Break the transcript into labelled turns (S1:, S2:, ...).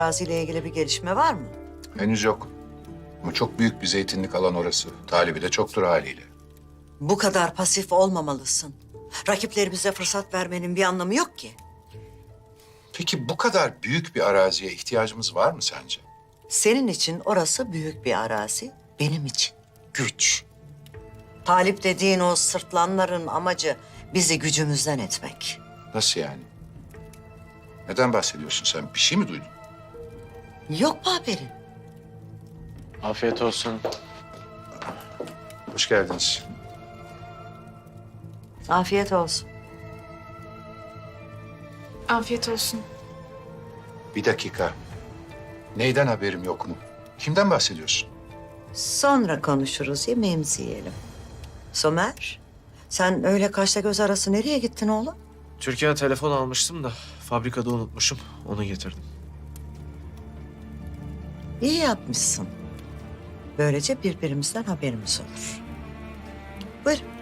S1: araziyle ilgili bir gelişme var mı?
S2: Henüz yok. Ama çok büyük bir zeytinlik alan orası. Talibi de çoktur haliyle.
S1: Bu kadar pasif olmamalısın. Rakiplerimize fırsat vermenin bir anlamı yok ki.
S2: Peki bu kadar büyük bir araziye ihtiyacımız var mı sence?
S1: Senin için orası büyük bir arazi, benim için güç. Talip dediğin o sırtlanların amacı bizi gücümüzden etmek.
S2: Nasıl yani? Neden bahsediyorsun sen? Bir şey mi duydun?
S1: Yok mu haberin?
S3: Afiyet olsun.
S2: Hoş geldiniz.
S1: Afiyet olsun.
S4: Afiyet olsun.
S2: Bir dakika. Neyden haberim yok mu? Kimden bahsediyorsun?
S1: Sonra konuşuruz, yemeğimizi yiyelim. Somer, sen öyle kaşla göz arası nereye gittin oğlum?
S3: Türkiye'ye telefon almıştım da fabrikada unutmuşum. Onu getirdim.
S1: İyi yapmışsın. Böylece birbirimizden haberimiz olur. Buyurun.